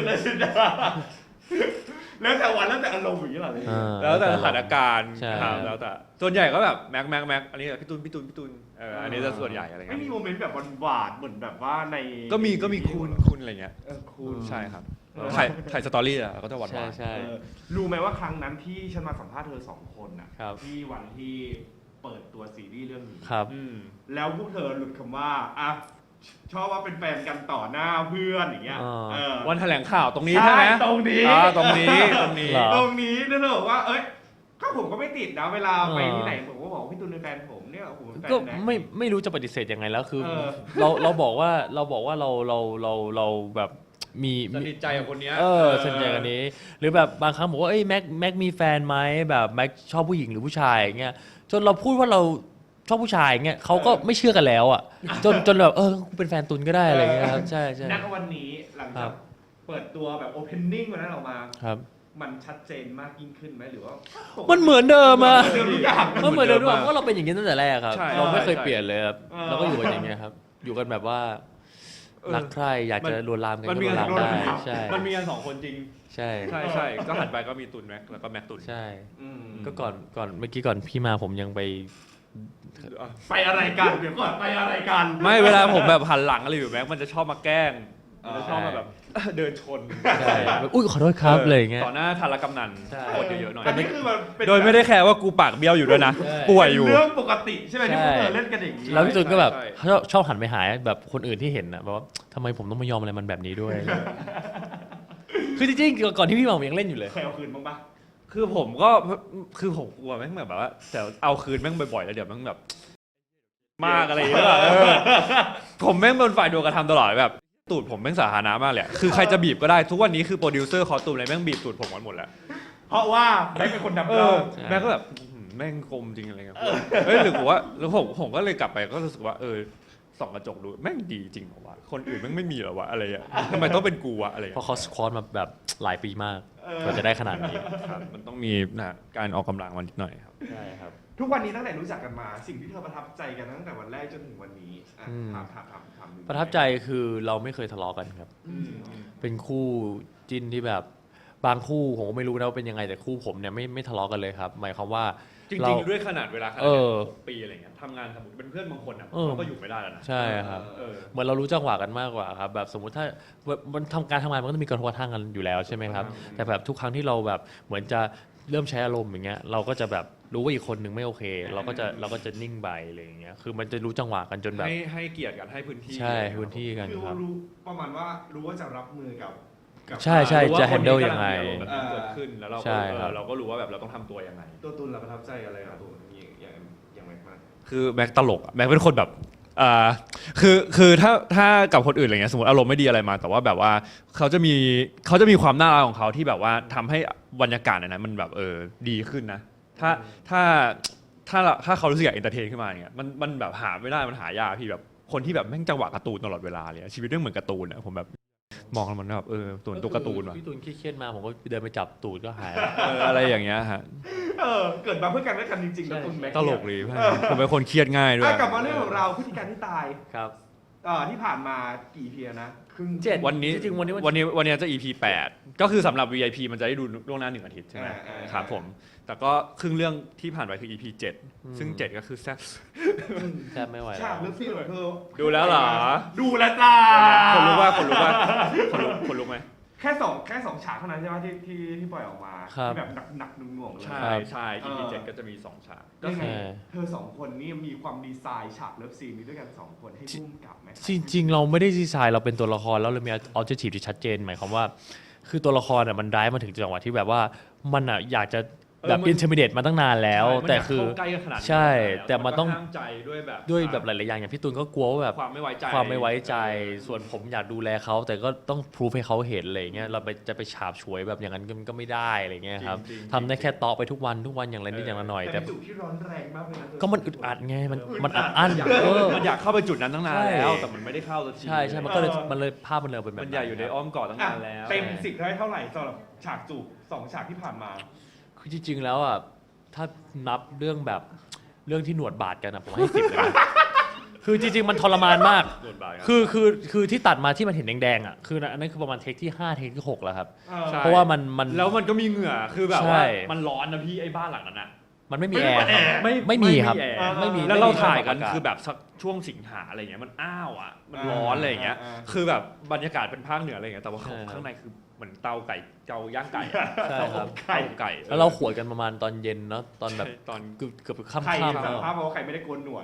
Speaker 1: แล้วแต่วันแล้วแต่อารมณ์อย่างนี้เหรอเลย
Speaker 3: เออ
Speaker 2: แล้วแต่สถานการณ์
Speaker 3: ใช่
Speaker 2: ครับแล้วแต่ส่วนใหญ่ก็แบบแม็กแม็กแม็กอันนี้พี่ตุนพี่ตุนพี่ตุนเอออันนี้จะส่วนใหญ่อะไร
Speaker 1: ไม่
Speaker 2: เงี้ย
Speaker 1: มีโมเมนต์แบบหวานๆเหมือนแบบว่าใน
Speaker 2: ก็มีก็มีคุณคุณอะไรเงี้ย
Speaker 1: เออคุณ
Speaker 2: ใช่ครับ
Speaker 1: เออ
Speaker 2: ถ่ายถ่ายสตอรี่อะก็จะหวานห
Speaker 3: ใช่
Speaker 2: วาน
Speaker 3: ใช่
Speaker 1: เออรู้ไหมว่าครั้งนั้นที่ฉันมาสัมภาษณ์เธอสองคนน่ะ
Speaker 3: ครับ
Speaker 1: ที่วันที่เปิดตัวซีรีส์เรื่องนี้
Speaker 3: ครับ
Speaker 2: อืม
Speaker 1: แล้วพวกเธอหลุดคำว่าอ่ะชอบว่าเป็นแฟนกันต่อหน้าเพื่อนอย่างเงี้ย
Speaker 3: อ่า
Speaker 1: เออ
Speaker 2: วันแถลงข่าวตรงนี้ใช่ไหม
Speaker 1: ตรงนี้
Speaker 2: อ่าตรงนี้ตรงนี้
Speaker 3: เหรอ
Speaker 1: ตรงนี้นั่นเลยบอกว่าเอ้ยก็ผมก็ไม่ติดนะเวลาไป
Speaker 3: อ่า
Speaker 1: ที่ไหนผมก็บอกว่าพี่ตูนเป็นแฟนผมเนี่ยโอ้โหเป็นแฟน
Speaker 3: ก็
Speaker 1: นะ
Speaker 3: ไม่ไม่รู้จะปฏิเสธยังไงแล้วคือ
Speaker 1: เออ
Speaker 3: เราเราบอกว่าเราบอกว่าเราเราเราเราแบบมี
Speaker 2: สนิทใจกับคนเนี้ย
Speaker 3: เออสนิทใจกันนี้ หรือแบบบางครั้งบอกว่าเอ้ยแม็กแม็กมีแฟนไหมแบบแม็กชอบผู้หญิงหรือผู้ชายอย่างเงี้ยจนเราพูดว่าเราชอบผู้ชายอย่างเงี้ยเขาก็ไม่เชื่อกันแล้วอ่ะจนจนแบบเออกูเป็นแฟนตุนก็ได้อะไรเงี้ยครับใช่ใช่
Speaker 1: ณวันนี้หลัง
Speaker 3: ครั
Speaker 1: จาก
Speaker 3: บ
Speaker 1: เปิดตัวแบบโอเพนนิ่งวันนั้นออกมา
Speaker 3: ครับ
Speaker 1: มันชัดเจนมากยิ่งขึ้นไหมหรือว่า
Speaker 3: มันเหมือนเดิมอะ
Speaker 1: เหมือนเดิมทุกอย่าง
Speaker 3: มันเหมือนเดิมด้วย
Speaker 2: เหมือนเดิม
Speaker 3: เพราะเราเป็นอย่างนี้ตั้งแต่แรกครับ
Speaker 2: ใช่
Speaker 3: เราไม่เคย
Speaker 2: ใช่
Speaker 3: เปลี่ยนเลยครับ
Speaker 1: เออ
Speaker 3: เราก็อยู่กันอย่างเงี้ยครับ อยู่กันแบบว่า
Speaker 2: เออ
Speaker 3: รักใครอยากจะ
Speaker 2: มัน
Speaker 3: ลวนลามกัน
Speaker 2: มัน
Speaker 3: ก็
Speaker 2: มี
Speaker 3: ลวนลาม
Speaker 2: กัน
Speaker 3: ได้
Speaker 2: สองคน
Speaker 3: ใช่
Speaker 2: มันมีกันสองคนจริง
Speaker 3: ใช่
Speaker 2: ใช่ใช่ก็หันไปก็มีตุนแม็กแล้วก็แม็กตุน
Speaker 3: ใช่
Speaker 1: อืม
Speaker 3: ก็ก่อนก่อนเมื่อกี้ก่อนพี่มาผมยังไป
Speaker 1: ไปอะไรกันเดี๋ยวก่อนไปอะไรกัน
Speaker 2: ไม่เวลาผมแบบหันหลังอะไรอยู่แม็กมันจะชอบมาแกล้ง
Speaker 1: อ๋อ
Speaker 2: มันจะชอบมาแบบ เดินชน
Speaker 3: ใช่แบบอุ้ยขอโทษครับอะไรอย่างเงี้ย
Speaker 2: ต่อหน้าธารกำนัน
Speaker 3: ใช่
Speaker 2: โคตรเยอะๆหน่อย
Speaker 1: อันนี้คือมันเป็น
Speaker 2: โดยไม่ได้แคร์ว่ากูปากเบี้ยวอยู่ด้วยนะ
Speaker 3: ใช่
Speaker 2: ป่วยอยู่
Speaker 1: เป็นเรื่องปกติใช่ไหมที่พวก
Speaker 3: ใช่
Speaker 1: เธอเล่นกันอย่างนี้
Speaker 3: แล้วพี่ตุนก็แบบ
Speaker 2: ใช่
Speaker 3: ชอบชอบหันไปหาแบบคนอื่นที่เห็นนะแบบว่าทำไมผมต้องมายอมอะไรมันแบบนี้ด้วย คือจริงๆก่อนที่พี่มาผมยังเล่นอยู่เลย
Speaker 1: เคยเอาคืนบ้างปะ
Speaker 2: คือผมก็คือผมกลัวแม่งแบบว่าแต่เอาคืนแม่งบ่อยๆแล้วเดี๋ยวแม่งแบบ มากอะไรอย่างเงี้ยเออผมแม่งเป็นฝ่ายโดนกระทำตลอดแบบตูดผมแม่งสาธารณะมากเลยอะคือใครจะบีบก็ได้ทุกวันนี้คือโปรดิวเซอร์คอสตูมอะไรแม่งบีบตูดผมกันหมดแล้ว
Speaker 1: เพราะว่าแบงค์เป็นคน
Speaker 2: เอ
Speaker 1: ดำเรา
Speaker 2: อแม่งก็แบบอื้อหือแม่งคมจริงอะไรเงี้ยเฮ้ยหรือผมว่าแล้วผมผมก็เลยกลับไปก็รู้สึกว่าเออส่องกระจกดูแม่งดีจริงเหรอวะคนอื่นแม่งไม่มีเหรอวะอะไรอ่ะทำไมต้องเป็นกูวะอะไร
Speaker 3: เพราะ
Speaker 2: เงี้ย
Speaker 3: เขาสควอตมาแบบหลายปีมากกว่าจะได้ขนาดนี้
Speaker 2: ครับมันต้องมีนะการออกกำลังมันนิดหน่อยครับ
Speaker 3: ใช่ครับ
Speaker 1: ทุกวันนี้ตั้งแต่รู้จักกันมา สิ่งที่เธอประทับใจกันตั้งแต่วันแรกจนถึงวันนี้อ่ะ
Speaker 3: อืม
Speaker 1: ถามถามถามถามดู
Speaker 3: ประทับใจคือเราไม่เคยทะเลาะกันครับ
Speaker 1: อืม
Speaker 3: เป็นคู่จิ้นที่แบบบางคู่ผมก็ไม่รู้นะว่าเป็นยังไงแต่คู่ผมเนี่ยไม่ไม่ทะเลาะกันเลยครับ หมายความว่า
Speaker 2: จริ
Speaker 3: เรา
Speaker 2: งๆด้วยขนาดเวลาขนาด
Speaker 3: เอ
Speaker 2: เนี้ย
Speaker 3: อ
Speaker 2: หกปีอะไรเงี้ยทำงานสมมติเป็นเพื่อนบางคนอ่ะ
Speaker 3: เออ
Speaker 2: เขาก็อยู่ไม่ได้แล้วนะ
Speaker 3: ใช่ครับ
Speaker 2: เออ
Speaker 3: เหมือนเรารู้จังหวะกันมากกว่าครับแบบสมมุติถ้ามันทำการทำงานมันก็ต้องมีกระทบกระทั่งกันอยู่แล้วใช่ไหมครับ
Speaker 2: อืม
Speaker 3: แต่แบบทุกครั้งที่เราแบบเหมือนจะเริ่มใช้อารมณ์อย่างเงี้ยเราก็จะแบบรู้ว่าอีกคนหนึ่งไม่โอเค เราก็จะเราก็จะนิ่งไปอะไรอย่างเงี้ยคือมันจะรู้จังหวะกันจนแบบ
Speaker 2: ให้ให้เกียรติกันให้พื้นที่
Speaker 3: ใช่พื้นที่กัน
Speaker 1: คือ
Speaker 3: ครับ
Speaker 1: รู้ประมาณว่ารู้ว่าจะรับมือกับกับ
Speaker 3: ใช่ใช่
Speaker 2: รู้ว่า
Speaker 3: จะ
Speaker 2: คน
Speaker 3: handle
Speaker 2: นี้
Speaker 3: ยังไง
Speaker 2: กำลัมีอารมณ์แบบนี้เกิดขึ้นแล้วเรา
Speaker 3: ใช่
Speaker 2: ก็
Speaker 3: ครับ
Speaker 2: เออเราก็รู้ว่าแบบเราต้องทำตัวยังไง
Speaker 1: ตัวตุนเราประทับใจอะไรกับตัวอย่างอย่างอย่างไรมาก
Speaker 2: คือแม็กตลกอะแม็กเป็นคนแบบอ่าคือคือถ้าถ้ากับคนอื่นอะไรเงี้ยสมมติอารมณ์ไม่ดีอะไรมา แต่ว่าแบบว่าเขาจะมีเขาจะมีความน่ารักของเขาที่แบบว่าทำให้บรรยากาศในนั้นมันแบบเออดีขึ้นนะ ถ้าถ้าถ้าถ้าเขารู้สึกอยากเอนเตอร์เทนขึ้นมาอย่างเงี้ยมันมันแบบหาไม่ได้มันหายากพี่แบบคนที่แบบแม่งจังหวะการ์ตูนตลอดเวลาเลยอะชีวิตเรื่องเหมือนการ์ตูนอะผมแบบมองแล้วมันแบบเออตัวตัวการ์ตูนว่ะ
Speaker 3: พี่ตูนเครียดๆมาผมก็เดินไปจับตูดก็หายแล้ว
Speaker 2: เอออะไรอย่างเงี้ยฮะ
Speaker 1: เออเกิดมาเพื่อกันและกันจริงๆนะตุนแม็ก
Speaker 2: ตลกเลยผมเป็นคนเครียดง่ายด้วย
Speaker 1: อ่ะกลับมาเรื่องของเราพฤติการที่ตาย
Speaker 3: ครับ
Speaker 1: เอ่อที่ผ่านมากี่เพียนะครึ่ง
Speaker 3: เจ็ด
Speaker 2: วันนี้
Speaker 3: จริงๆวันนี้วัน
Speaker 2: วันนี้วันนี้จะ อี พี แปดก็คือสำหรับ วี ไอ พี มันจะได้ดูล่วงหน้าหนึ่งอาทิตย์ใช่ไหม
Speaker 1: อ่าอ่า
Speaker 2: ครับผมแต่ก็ครึ่งเรื่องที่ผ่านไปคือ อี พี เจ็ด
Speaker 3: อืม
Speaker 2: ซึ่งเจ็ดก็คือแซ่บ
Speaker 3: แทบไม่ไหว
Speaker 1: ฉาก
Speaker 3: แล้
Speaker 1: เลิ
Speaker 3: ว
Speaker 1: ฟซีนของเธอ
Speaker 2: ดูแล้วเหรอ
Speaker 1: ดูแล้วจ้า
Speaker 2: คนรู้ว่าคนรู้ว่าคนรู้คนรู้ไหม
Speaker 1: แค่สองแค่สองฉากเท่านั้นใช่ไหมที่ที่ที่ปล่อยออกมา
Speaker 3: ครับ
Speaker 1: ที่แบบหนักหนักๆหน่วงๆเลย
Speaker 2: ใช่ใช่ อี พี เจ็ดก็จะมีสองฉาก
Speaker 1: ยังไง
Speaker 3: ใช่
Speaker 1: เธอสองคนนี่มีความดีไซน์ฉากเลิฟซีนนี้ด้วยกันสองคนให้พุ่มกับไหม
Speaker 3: จริงๆ เราไม่ได้ดีไซน์เราเป็นตัวละครแล้วเรามีออบเจกตีฟที่ชัดเจนหมายความว่า คือตัวละครอ่ะมันได้มาถึงจังหวะที่แบบว่ามันอ่ะอยากจะแบบอินเทอร์มเดตมาตั้งนานแล้ว แต่คือ
Speaker 2: ใกล้กันขนาดนี้
Speaker 3: ใช่แต่มันต้อง
Speaker 2: ห้ามใจด้วยแบบ
Speaker 3: ด้วยแบบหลายๆอย่างอย่างพี่ตูนก็กลัวว่าแบบ
Speaker 2: ความไม่ไว้ใจ
Speaker 3: ความไม่ไว้ใจส่วนผมอยากดูแลเขาแต่ก็ต้องพรูฟให้เขาเห็นอะไรอย่างเงี้ยเราไปจะไปฉาบฉวยแบบอย่างนั้นก็ก็ไม่ได้อะไรเงี้ยครับ
Speaker 2: จริงๆ
Speaker 3: ทำได้แค่ตอไปทุกวันทุกวันอย่างไรนิดอย่างละหน่อย
Speaker 1: แต่
Speaker 3: แต่
Speaker 1: เป็นจุดที่ร้อนแรงมากเลยนะเธอ
Speaker 3: ก็มันอึดอัดไงมัน
Speaker 1: อึดอัด
Speaker 3: มันอัดอั้น
Speaker 2: อยาก
Speaker 3: เออ
Speaker 2: มันอยากเข้าไปจุดนั้นตั้งนานแล้ว
Speaker 3: ใช่
Speaker 2: แต่มันไม่ได้เข้าสักที
Speaker 3: ใช่ใช่มันก็เลยมันเลยภาพมันเลยเป็นแบบ
Speaker 2: มันใหญ่อยู่ในอ้อมกอดตั้ง
Speaker 1: อ่ะ
Speaker 2: นานแล้ว
Speaker 1: เต็มสิบได้เท่าไหร่สำหรับฉากจูบสองฉากที่ผ่านมา
Speaker 3: คือจริงๆแล้วอ่ะถ้านับเรื่องแบบเรื่องที่หนวดบาดกันอะผมให้สิบเลยนะ คือจริงๆมันทรมานมาก
Speaker 2: โดนบาดครับ
Speaker 3: คือคือคือที่ตัดมาที่มันเห็นแดงๆอ่ะคืออันนั้นคือประมาณเทคที่ห้าเทคที่หกแล้วครับ
Speaker 2: ใช่
Speaker 3: เพราะว่ามันมัน
Speaker 2: แล้วมันก็มีเหงื่อคือแบบ
Speaker 3: ใช่
Speaker 2: ว่ามันร้อนนะพี่ไอ้บ้านหลังนั้นอะ
Speaker 3: มันไม่มีแอร์ครับ
Speaker 2: ไม่
Speaker 3: ไม่มีครับ
Speaker 2: แอร์
Speaker 3: ไม่มี
Speaker 2: แล้วเรา
Speaker 3: ไม่มี
Speaker 2: ถ่ายกัน
Speaker 3: อากาศ
Speaker 2: คือแบบสักช่วงสิงหาอะไรเงี้ยมันอ้าวอ่ะมัน
Speaker 1: อ่า
Speaker 2: ร้อนอะไรอย่างเงี้ย
Speaker 1: อ่าอ่า
Speaker 2: คือแบบบรรยากาศเป็นภาคเหนืออะไรเงี้ยแต่ว่า
Speaker 3: ใช่ครับ
Speaker 2: ข้างในคือเหมือนเตาไก่เตาย่างไก่อะ
Speaker 3: ใช่ครับ
Speaker 2: เตาไก่
Speaker 3: แล้วเราขวดกันประมาณตอนเย็นเนาะตอนแบบ
Speaker 2: ใช่ตอน
Speaker 3: เกือบเกือบ
Speaker 1: ใคร
Speaker 3: ค่ำๆ
Speaker 1: สาร
Speaker 3: แล้ว
Speaker 1: ภาพมาว่าใครไม่ได้โกนหนวด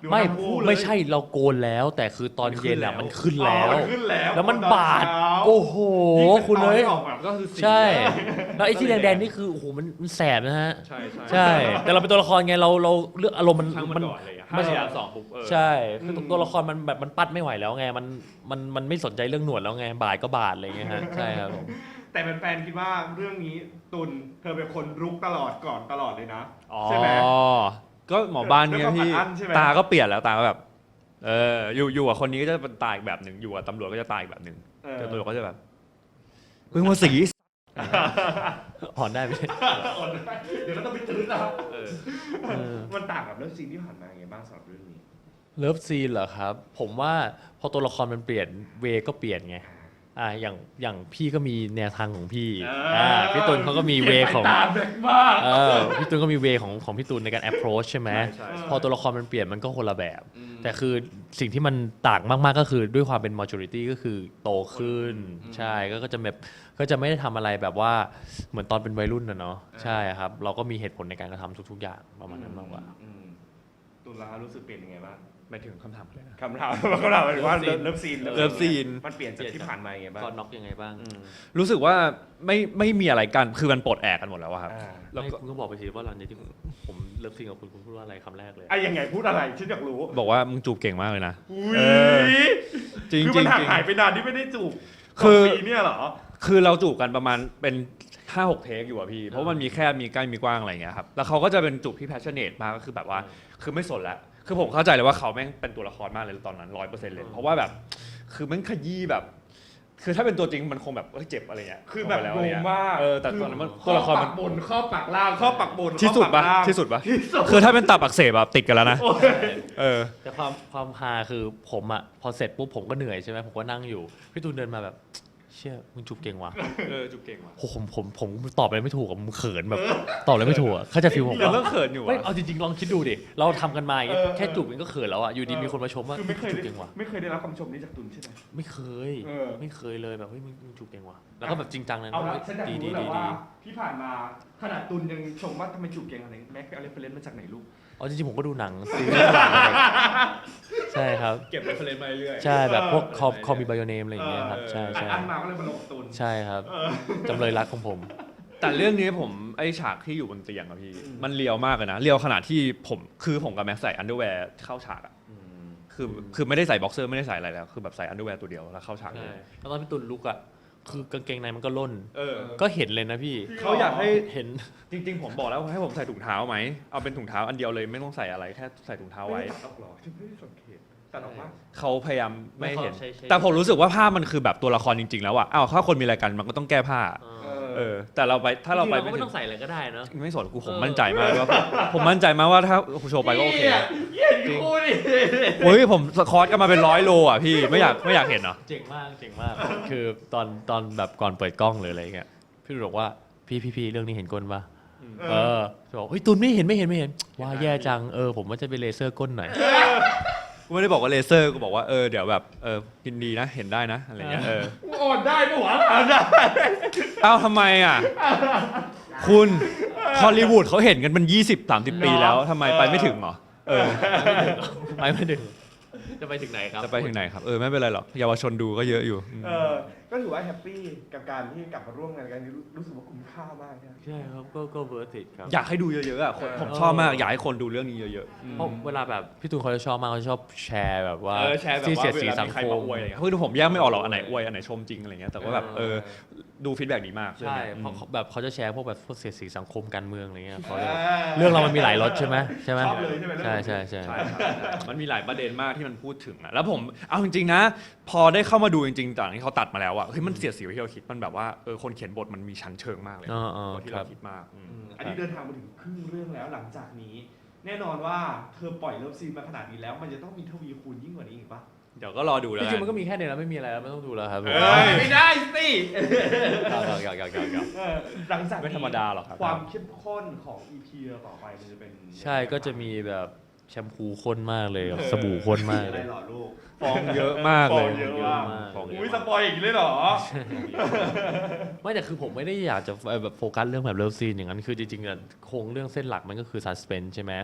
Speaker 1: หรือว่า
Speaker 3: ไม่
Speaker 1: ทั้งคู่เลย
Speaker 3: ไม่ใช่เราโกนแล้ว แต่คือตอนเย็นอ่ะมันขึ้นแล้ว
Speaker 1: อ๋อมันขึ้นแล้ว
Speaker 3: แล้วมัน
Speaker 1: ตอน
Speaker 3: บาด
Speaker 1: เช้า
Speaker 3: โอ้โหคุณเลย
Speaker 1: ออกแบบก็คือสี
Speaker 3: ใช่ แล้วไอ้ที่แดงๆนี่คือโอ้โหมันมันแสบนะฮะ
Speaker 2: ใช่ใช่
Speaker 3: ใช่ แต่เราเป็นตัวละครไงเราเราเลือกอารมณ์มัน
Speaker 2: ช่างมั
Speaker 3: มัน น
Speaker 2: ก่อนเลยอะห้าสี่สามสองปุ๊บเออ
Speaker 3: ใช่คือตัวละครมันแบบมันปัดไม่ไหวแล้วไงมันมันมันไม่สนใจเรื่องหนวดแล้วไงบาดก็บาดอะไรอย่างเงี้ยฮะใช่ครับผม
Speaker 1: แต่แฟนๆคิดว่าเรื่องนี้ตุนเธอเป็นคนรุกตลอดก่อนตลอดเลยนะ
Speaker 2: อ๋อ
Speaker 1: ใช่ไหม
Speaker 2: ก็หมอบ้านเนี่ยพี่
Speaker 1: ด้วยความอัดอั้นใช่ไหม
Speaker 2: ตาก็เปลี่ยนแล้วตาก็แบบเอออยู่อยู่กับคนนี้ก็จะเป็นตาอีกแบบหนึ่งอยู่กับตำรวจก็จะตาอีกแบบหนึ่ง
Speaker 1: เออ
Speaker 2: เจอตำรวจก็จะแบบเพิ่งมาสี
Speaker 3: อ่อนได้ไหม
Speaker 1: เดี๋ยวเราต้องไปตื้อนะ
Speaker 2: เออ
Speaker 3: เออ
Speaker 1: มันต่างกับเรื่องซีนที่ผ่านมาไงบ้างสำหรับเรื่องนี้
Speaker 3: เลิฟซีนเหรอครับ ผมว่าพอตัวละครมันเปลี่ยนเวก็เปลี่ยนไงอ่าอย่างอย่างพี่ก็มีแนวทางของพี่
Speaker 1: อ่า
Speaker 3: อ่าพี่ตุลเขาก็มีเวของ
Speaker 1: ตามแบกมาก
Speaker 3: เออพี่ตุลก็มีเวของของพี่ตุลในการ approach ใช่ไหม
Speaker 2: ใช่ใช่
Speaker 3: พอตัวละครมันเปลี่ยนมันก็คนละแบบ แต่คือสิ่งที่มันต่างมากๆก็คือด้วยความเป็น maturity ก็คือโตขึ้น ใช่ก็ก็จะแบบก็จะไม่ได้ทำอะไรแบบว่าเหมือนตอนเป็นวัยรุ่นนะเนาะใช่ครับ เราก็มีเหตุผลในการกระทำทุกๆอย่างประมาณนั้นมากกว่า
Speaker 1: อืมตุลารู้สึกเปลี่ยนยังไงบ้าง
Speaker 2: หมายถึงคำถามอะไรนะ
Speaker 1: คำถามคำถามหมายถึงว่า
Speaker 3: เลิฟซีน
Speaker 1: เลิฟซีน
Speaker 2: เลิฟซีน
Speaker 1: มันเปลี่ยนจากที่ผ่านมายังไงบ้าง
Speaker 3: ก็น็อกยังไงบ้าง
Speaker 1: อืม
Speaker 2: รู้สึกว่าไม่ไม่มีอะไรกันคือมันปลดแอกกันหมดแล้วอะครับ
Speaker 1: อ่า
Speaker 2: แล้ว
Speaker 3: ไม่
Speaker 2: ก็
Speaker 3: คุณก็บอกไปสิว่าหลังจากที่ผมเลิฟซีนกับคุณคุณพูดว่าอะไรคำแรกเลย
Speaker 1: ไอ้ยังไงพูดอะไรฉันอยากรู้
Speaker 2: บอกว่ามึงจูบเก่งมากเลยนะ
Speaker 1: อุ้ย
Speaker 2: เออ จริง
Speaker 1: คือ
Speaker 2: จ
Speaker 1: มั
Speaker 2: ริ
Speaker 1: น
Speaker 2: ง
Speaker 1: ห่าง
Speaker 2: จริง
Speaker 1: หายไปนานที่ไม่ได้จูบ
Speaker 2: คือ
Speaker 1: สงปีเนี่ยเหรอ
Speaker 2: คือเราจูบกันประมาณเป็นห้าหกเทคอยู่อะพี่ เพราะมันมีแค่มีใกล้มีกว้างอะไรอย่างเงี้ยครับแล้วเขาก็จะเป็นจูบที่ passionate มากก็คือแบบว่าคือไม่สนแล้วคือผมเข้าใจเลยว่าเขาแม่งเป็นตัวละครมากเลยตอนนั้นร้อยเปอร์เซ็นต์เลยเพราะว่าแบบคือแม่งขยี้แบบ คือถ้าเป็นตัวจริงมันคงแบบเอ้ยเจ็บอะไรเงี้ย
Speaker 1: คือแบบ
Speaker 2: ลงไปแล้ว
Speaker 1: โก
Speaker 2: อะไร
Speaker 1: ง
Speaker 2: เงี้ย
Speaker 1: มาก
Speaker 2: เออแต่ตอนนั้นมัน
Speaker 1: ข้
Speaker 2: ตัวละคร
Speaker 1: ปั
Speaker 2: มัน
Speaker 1: กบนข้อปักล่างข้อปักบน
Speaker 2: ที่สุด
Speaker 1: ข้อ
Speaker 2: ปะ
Speaker 1: กล่าง
Speaker 2: ที่สุดปะ
Speaker 1: ที่สุด
Speaker 2: คือถ้าเป็นตับอักเสบแบบติดกันแล้วนะเออ
Speaker 3: แต่ความความฮาคือผมอ่ะพอเสร็จปุ๊บผมก็เหนื่อยใช่ไหมผมก็นั่งอยู่พี่ตูนเดินมาแบบเชี่ยมึงจูบเก่งว่ะ
Speaker 2: เออจูบเก่งว่ะ
Speaker 3: โหผมผมผมตอบอะไรไม่ถูกอะผมเขินแบบตอบอะไรไม่ถูกอะเขาใจะฟีลผม
Speaker 2: เดี๋ยว
Speaker 3: ว่า
Speaker 2: เรื่องเขินอยู่
Speaker 3: ไม่
Speaker 2: อะ
Speaker 3: เอาจริงๆลองคิดดูดิเราทำกันมาอย่างเงี้ย
Speaker 1: เออ
Speaker 3: แค่จูบมันก็เขินแล้วอ่ะอยู่ดีมีคนมาชมว่า
Speaker 1: คือไม่เคย
Speaker 3: จู
Speaker 1: ได้
Speaker 3: บเก่งว่ะ
Speaker 1: ไม่เคยได้รับคำชมนี้จากตุนใช่ไหม
Speaker 3: ไม่เคย
Speaker 1: เออ
Speaker 3: ไม่เคยเลยแบบเฮ้ยมึงมึงจูบเก่งว่ะแล้วก็แบบจริงจังเลยนะ
Speaker 1: เอาละ
Speaker 3: เฮ้ย
Speaker 1: ฉันอยาก
Speaker 3: ดี
Speaker 1: รู้
Speaker 3: ดี
Speaker 1: แหละ
Speaker 3: ดี
Speaker 1: ว่า
Speaker 3: ดี
Speaker 1: ที่ผ่านมาขนาดตุนยังชมว่าทำไมจูบเก่งอะไรแม็กเอาเรฟเฟรนซ์มาจากไหนลูก
Speaker 3: เอาจริงๆผมก็ดูหนังซีรีส์หลังอะไรใช่ครับ
Speaker 2: เก็บเรฟเฟรนซ์มาเรื่อยๆ
Speaker 3: ใช่แบบพวกคอม
Speaker 2: เออ
Speaker 3: คอมมีไบโอเนมอะไรอย่างเงี้ยครับใช่
Speaker 1: อัด
Speaker 3: ใช่
Speaker 1: อันมาก็เลยมาลงกับตุน
Speaker 3: ใช่ครับจำเลยรักของผม
Speaker 2: แต่เรื่องนี้ผมไอฉากที่อยู่บนเตียงอะพี่
Speaker 1: อืม
Speaker 2: มันเลียวมากเลยนะเลียวขนาดที่ผมคือผมกับแม็กใส่อันเดอร์แวร์เข้าฉากอะคือคือไม่ได้ใส่บ็อกเซอร์ไม่ได้ใส่อะไรแล้วคือแบบใส่อันเดอร์แวร์ตัวเดียวแล้วเข้าฉากเล
Speaker 3: ใช่
Speaker 2: ย
Speaker 3: แล้วตอนพี่ตุลลุกอ่ะคือกางเกงในมันก็ล่น
Speaker 2: เออ
Speaker 3: ก็เห็นเลยนะพี่
Speaker 2: เขาอยากให้
Speaker 3: เห็น
Speaker 2: จริง ๆ ผมบอกแล้วให้ผมใส่ถุงเท้าไหมเอาเป็นถุงเท้าอันเดียวเลยไม่ต้องใส่อะไรแค่ใส่ถุงเท้า
Speaker 1: ไม่
Speaker 2: ไว้
Speaker 1: ได้ตัดออกหรอฉันไม่ได้สังเกตตัดออกว่า
Speaker 2: เขาพยายามไม่เห็น
Speaker 3: ใช่ใช่
Speaker 2: แต่ผมรู้สึกว่าภาพมันคือแบบตัวละครจริง ๆ แล้วอะอ้าวถ้าคนมีอะไรกันมันก็ต้องแก้ผ้า
Speaker 3: เออ
Speaker 2: เออ แต่เราไปถ้าเราไป
Speaker 3: จงๆก็
Speaker 2: ไม่
Speaker 3: ไม่
Speaker 2: ถึ
Speaker 3: ต้อง งใส่อะไรก็ได้เนอะ
Speaker 2: ไม่สนกูผม
Speaker 3: เออ
Speaker 2: มั่นใจมากว่าผมมั่นใจมากว่าถ้าโชว์ไปก็โอเค
Speaker 1: เยี่ยมคู่ดิ
Speaker 2: เฮ้ยผมสคอร์สกันมาเป็นร้อยโลอ่ะพี่ไม่อยากไม่อยากเห็นเหรอ
Speaker 3: เจ๋งมากเจ๋งมาก คือตอนตอนแบบก่อนเปิดกล้องเลยอะไรเงี้ยพี่ตุลบอกว่าพี่พี่พี่เรื่องนี้เห็นก้นปะเออบอกเฮ้ยตุลไม่เห็นไม่เห็นไม่เห็นว่าแย่จังเออผมว่าจะไปเลเซอร์ก้นหน่อย
Speaker 2: กูไม่ได้บอกว่าเลเซอร์กูบอกว่าเออเดี๋ยวแบบเออยินดีนะเห็นได้นะอะไรเงี้ยเออ
Speaker 1: อ่อนได้ปะวะอ่อนได้
Speaker 2: เอ้าทำไมอ่ะคุณฮอลลีวูดเขาเห็นกันเป็นยี่สิบสามสิบปีแล้วทำไมไปไม่ถึงเหรอเออ
Speaker 3: ไปไม่ถึงจะไปถึงไหนครับ
Speaker 2: จะไปถึงไหนครับเออไม่เป็นไรหรอกเยาวชนดูก็เยอะอยู่อืม
Speaker 1: เออก็ถือว่าแฮปปี้กับการที่กลับมาร่วมงานกันรู้รู้สึกว่าคุ้มค่ามากใช่ไหม
Speaker 3: ใช่ครับก็ก็เวิร์ติครับ
Speaker 2: อยากให้ดูเยอะๆอ่ะคนผมชอบมากอยากให้คนดูเรื่องนี้เยอะๆอืม
Speaker 3: เพราะเวลาแบบพี่ตูนเขาจะชอบมากเขาจะชอบแชร์แบบว่า
Speaker 2: เออแชร์แบบ
Speaker 3: ที่
Speaker 2: ว่า
Speaker 3: เสียด
Speaker 2: เว
Speaker 3: สี
Speaker 2: ลา
Speaker 3: สัง
Speaker 2: มีใคร
Speaker 3: ค
Speaker 2: มาม อวยอะไรเงี้ยคือผมแยกไม่ออกหรอกอันไหนอวยอันไหนชมจริงอะไรเงี้ยแต่ว่าแบบเออดูฟีดแบ็กดีมาก
Speaker 3: ใช่
Speaker 2: อืม
Speaker 3: เพราะเขาแบบเขาจะแชร์พวกแบบพวกเสียดสีสังคมการเมืองอะไรเงี้ยเขาจะแบบเรื่องเรามันมีหลายรสใช่ไหมใช่ไหม
Speaker 1: ชอบเลยใช่ไหม
Speaker 3: ใช่ใช่ใช่
Speaker 2: ใช่ครับมันมีหลายประเด็นมากที่มันพูดถึงอะแล้วผมเอาจริงๆนะ พอได้เข้ามาดูจริงๆจากที่เขาตัดมาแล้วอะเฮ้ยมันเสียดสีกว่าที่เราคิดมันแบบว่าเออคนเขียนบทมันมีชั้นเชิงมากเลย
Speaker 3: อ๋ออ๋อก
Speaker 2: ว่าที่
Speaker 3: ครั
Speaker 2: เรา
Speaker 3: บ
Speaker 2: คิดมากอืม
Speaker 1: อืมอันนี้เดินทางมาถึงครึ่งเรื่องแล้วหลังจากนี้ แน่นอนว่าเธอปล่อยเลิฟซีนมาขนาดนี้แล้ว มันจะต้องมีทวีคูณยิ่งกว่านี้อีกปะ
Speaker 2: เดี๋ยวก็รอดูแล้ว
Speaker 3: จ
Speaker 2: กั
Speaker 3: ริงๆมัน
Speaker 2: น
Speaker 3: ก็มีแค่เนี้แล้วไม่มีอะไรแล้วไม่ต้องดูแล้วครับผม
Speaker 2: เอ้ย
Speaker 1: ไม่ได้สิ
Speaker 3: อยากอยากอยากอยากอยาก
Speaker 1: เออหลังจากนี้
Speaker 2: ไม่ธรรมดาหรอกครับ
Speaker 1: ความเข้มข้นของ อี พี ต่อไปมันจะเป็น
Speaker 3: ใช่ก็จะมีแบบแชมพูข้นมากเลยกับสบู่ข้นมาก
Speaker 1: อะไร
Speaker 3: เลย
Speaker 1: หรอลูก
Speaker 2: ฟองเยอะมากเลย
Speaker 1: ฟองเยอะมาก
Speaker 2: ฟองเย
Speaker 1: อุ้ย
Speaker 2: อะ
Speaker 1: ส
Speaker 2: มาก
Speaker 1: ปอยอย่างนี้เลยเหรอ
Speaker 3: ไม่แต่คือผมไม่ได้อยากจะแบบโฟกัสเรื่องแบบเลิฟซีนอย่างนั้นคือจริงๆอะโครงเรื่องเส้นหลักมันก็คือซัสเพนใช่ไหม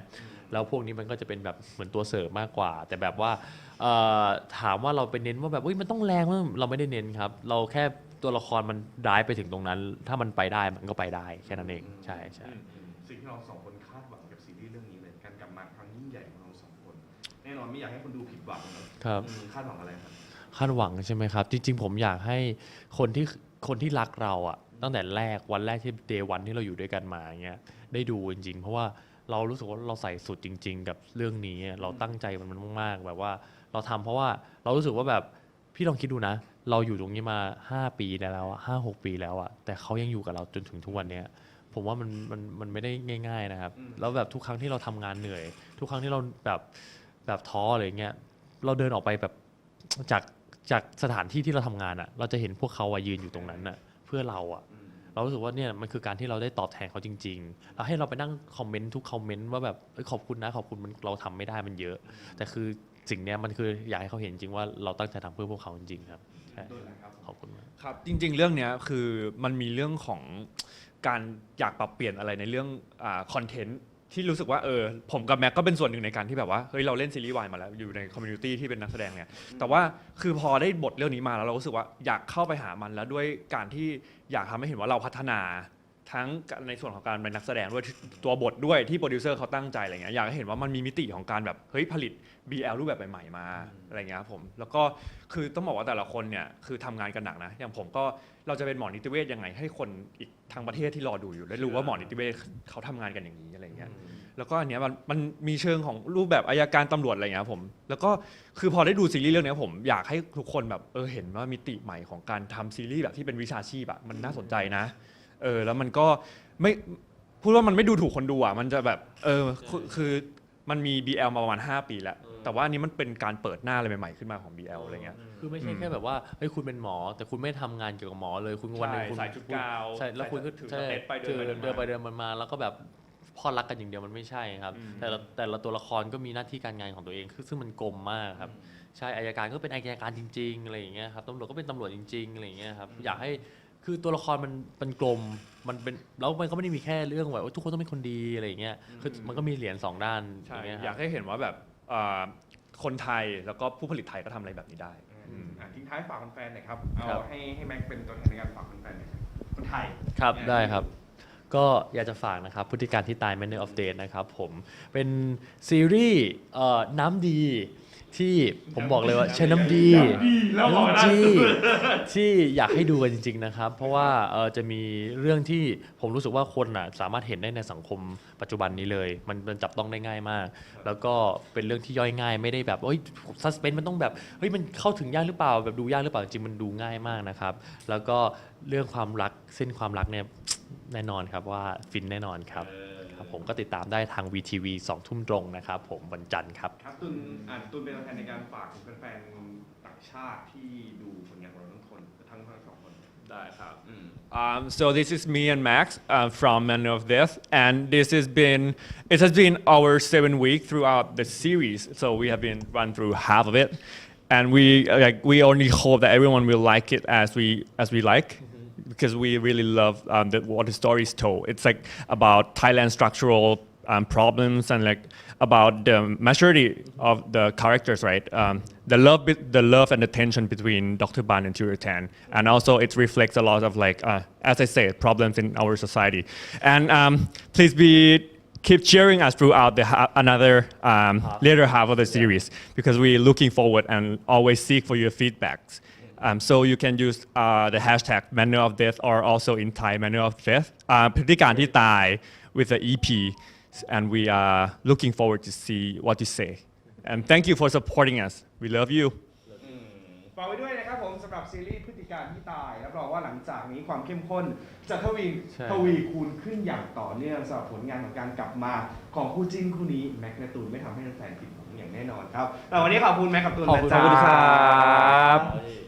Speaker 3: แล้วพวกนี้มันก็จะเป็นแบบเหมือนตัวเสริมมากกว่า แต่แบบว่าเอ่อถามว่าเราไปเน้นว่าแบบเฮ้ยมันต้องแรงมั้ยเราไม่ได้เน้นครับเราแค่ตัวละครมันร้ายไปถึงตรงนั้น ถ้ามันไปได้มันก็ไปได้แค่นั้นเองใช่ใช่
Speaker 1: อืมอืมสิ่งที่เราสองคนคาดหวังกับซีรีส์เรื่องนี้เลยการกลับมาครั้งยิ่งใหญ่ของเราสองคน แน่นอนไม่อยากให้คนดูผิดหวังนะครับ อืมคาดหวังอะไรครับ
Speaker 3: คาดหวังใช่ไหมครับ จริง ๆ ผมอยากให้คนที่คนที่รักเราอะตั้งแต่แรกวันแรกที่เดย์วันที่เราอยู่ด้วยกันมาอย่างเงี้ยได้ดูจริงๆ เพราะว่าเรารู้สึกว่าเราใส่สุดจริง ๆ กับเรื่องนี้เราตั้งใจมันมากๆแบบว่าเราทำเพราะว่าเรารู้สึกว่าแบบพี่ลองคิดดูนะ เราอยู่ตรงนี้มาห้าปีแล้วอะห้าหกปีแล้วอะแต่เขายังอยู่กับเราจนถึงทุกวันเนี้ยผมว่ามันมันมันไม่ได้ง่าย ๆนะครับ
Speaker 1: อืม
Speaker 3: แล้วแบบทุกครั้งที่เราทำงานเหนื่อย ทุกครั้งที่เราแบบแบบท้ออะไรเงี้ยเราเดินออกไปแบบจากจากสถานที่ที่เราทำงานอะเราจะเห็นพวกเขาอะยืนอยู่ตรงนั้นอะเพื่อเราอะ
Speaker 1: อืม
Speaker 3: เรารู้สึกว่าเนี่ยมันคือการที่เราได้ตอบแทนเขาจริงๆแล้วให้เราไปนั่งคอมเมนต์ทุกคอมเมนต์ว่าแบบเอ้ยขอบคุณนะขอบคุณมันเราทำไม่ได้มันเยอะ แต่คือสิ่งเนี้ยมันคืออยากให้เขาเห็นจริงว่าเราตั้งใจทำเพื่อพวกเขาจริงๆครับใช่
Speaker 1: ด้วยนะครับ
Speaker 3: ขอบคุณมาก
Speaker 2: ครับจริงๆ เรื่องเนี้ยคือมันมีเรื่องของการอยากปรับเปลี่ยนอะไรในเรื่องคอนเทนต์ที่รู้สึกว่าเออผมกับแม็กก็เป็นส่วนหนึ่งในการที่แบบว่าเฮ้ยเราเล่นซีรีส์วายมาแล้วอยู่ในคอมมูนิตี้ที่เป็นนักแสดงเนี่ยแต่ว่าคือพอได้บทเรื่องนี้มาแล้วเรารู้สึกว่าอยากเข้าไปหามันแล้วด้วยการที่อยากทำให้เห็นว่าเราพัฒนาทั้งในส่วนของการเป็นนักแสดงด้วยตัวบทด้วยที่โปรดิวเซอร์เขาตั้งใจอะไรเงี้ยอยากให้เห็นว่ามันมีมิติของการแบบเฮ้ยผลิต บี แอล รูปแบบใหม่ๆมาอะไรเงี้ยครับผมแล้วก็คือต้องบอกว่าแต่ละคนเนี่ยคือทำงานกันหนักนะอย่างผมก็เราจะเป็นหมอนิติเวชยังไงให้คนอีกทางประเทศที่รอดูอยู่ได้รู้ว่าหมอนิติเวชเขาทำงานกันอย่างนี้อะไรเงี้ยแล้วก็อันเนี้ยมันมันมีเชิงของรูปแบบอัยการตำรวจอะไรเงี้ยครับผมแล้วก็คือพอได้ดูซีรีส์เรื่องเนี้ยผมอยากให้ทุกคนแบบเออเห็นว่ามิติใหม่ของการทำซีรีส์แบบที่เป็นวิชาชีพอะมันน่าสนใจนะเออแล้วมันก็ไม่พูดว่ามันไม่ดูถูกคนดูอ่ะมันจะแบบเออคือคือมันมี บี แอล มาประมาณห้าปีแล้วแต่ว่าอันนี้มันเป็นการเปิดหน้าอะไรใหม่ๆขึ้นมาของ บี แอล อะไรเงี้ย
Speaker 3: คือไม่ใช่แค่แบบว่าเฮ้ยคุณเป็นหมอ แต่คุณไม่ทำงานเกี่ยวกับหมอเลยคุณวันหนึงคุณ
Speaker 2: ใส่ชุดกาว
Speaker 3: ใช่แล้วคุณก็
Speaker 2: ถือ
Speaker 3: ใช่
Speaker 2: สเต็ปไปเดิน
Speaker 3: ถือ
Speaker 2: ไปเดินมา
Speaker 3: เดินไปเดินมา แล้วก็แบบพอรักกันอย่างเดียวมันไม่ใช่ครับ
Speaker 2: อืม
Speaker 3: แต่ละแต่ละตัวละครก็มีหน้าที่การงานของตัวเองคือซึ่งมันกลมมากครับใช่อัยการก็เป็นอัยการจริงๆอะไรอย่างเงี้ยครับตำรวจก็เป็นตำรวจจริงๆอะไรอย่างเงี้ยครับอยากให้คือตัวละครมันเป็นกลมมันเป็นแล้วมันก็ไม่ได้มีแค่เรื่องแบบว่าทุกคนต้องเป็นคนดีอะไรอย่างเงี้ยคือมันก็มีเหรียญสองด้านอ
Speaker 2: ใช่
Speaker 3: ย่างเงี้ยค
Speaker 2: อยา
Speaker 3: รับ
Speaker 2: กให้เห็นว่าแบบเอ่อคนไทยแล้วก็ผู้ผลิตไทยก็ทำอะไรแบบนี้ได้
Speaker 1: อืมอ่ะทิ้งท้ายฝากแฟนๆหน่อยครับ เอา
Speaker 3: ครับ
Speaker 1: ให้ให้แม็กเป็นตัวแทนในการฝากแฟนๆหน่อยครับคนไทย
Speaker 3: ครับ
Speaker 1: เนี่ย
Speaker 3: ได้ครับ ก็อยากจะฝากนะครับพฤติการที่ตาย Manner of Death นะครับผมเป็นซีรีส์เอ่อน้ำดีที่ผมบอกเลยว่าใช้น้ำดี
Speaker 1: แล้วบอกนะ
Speaker 3: น้ำดีที่อยากให้ดูกันจริง ๆ นะครับ เพราะว่าเอ่อจะมีเรื่องที่ผมรู้สึกว่าคนน่ะสามารถเห็นได้ในสังคมปัจจุบันนี้เลย มันมันจับต้องได้ง่ายมาก แล้วก็เป็นเรื่องที่ย่อยง่ายไม่ได้แบบเฮ้ยซัสเพนมันต้องแบบเฮ้ยมันเข้าถึงยากหรือเปล่าแบบดูยากหรือเปล่าจริงๆมันดูง่ายมากนะครับ แล้วก็เรื่องความรักเส้นความรักเนี่ยแน่นอนครับว่าฟินแน่นอนครับครับผมก็ติดตามได้ทาง วี ที วี สองทุ่มตรงนะครับผมวันจันทร์ครับ
Speaker 1: ครับตุนอ่านตุนเป็นตัวแทนในการฝากถึงแฟนๆต่างชาติที่ดูผลงานของเราทั้งคนทั้งทั้งสองคน
Speaker 2: ได้ครับ
Speaker 1: อืม
Speaker 2: Um, so this is me and Max uh, from Manner of Death, and this has been it has been our seven week throughout the series. So we have been run through half of it, and we like we only hope that everyone will like it as we as we like, because we really love um, the, what the story is told. It's like about Thailand structural um, problems and like about the maturity of the characters, right? Um, the love, be- the love and the tension between Doctor Ban and Turitan, Tan, and also it reflects a lot of like, uh, as I said, problems in our society. And um, please be keep cheering us throughout the ha- another um, later half of the series because we're looking forward and always seek for your feedbacks. Um, so you can use uh, the hashtag Manner of Death or also in Thai Manner of Death. Uh, พฤติการที่ตาย with the E P, and we are looking forward to see what you say. And thank you for supporting us. We love you.
Speaker 1: อืมฝากไว้ด้วยนะครับผมสำหรับซีรีส์พฤติการที่ตายรับรองว่าหลังจากนี้ความเข้มข้นจะทวี
Speaker 3: ใช่
Speaker 1: ทวีคูณขึ้นอย่างต่อเนื่องสำหรับผลงานของการกลับมาของคู่จิ้นคู่นี้แม็กและตูนไม่ทำให้แฟนๆผิดหวังอย่างแน่นอนครับแต่วันนี้ขอบคุณแม็กกับตูน
Speaker 3: ขอบคุณ
Speaker 1: นะจ๊ะ
Speaker 3: ครับ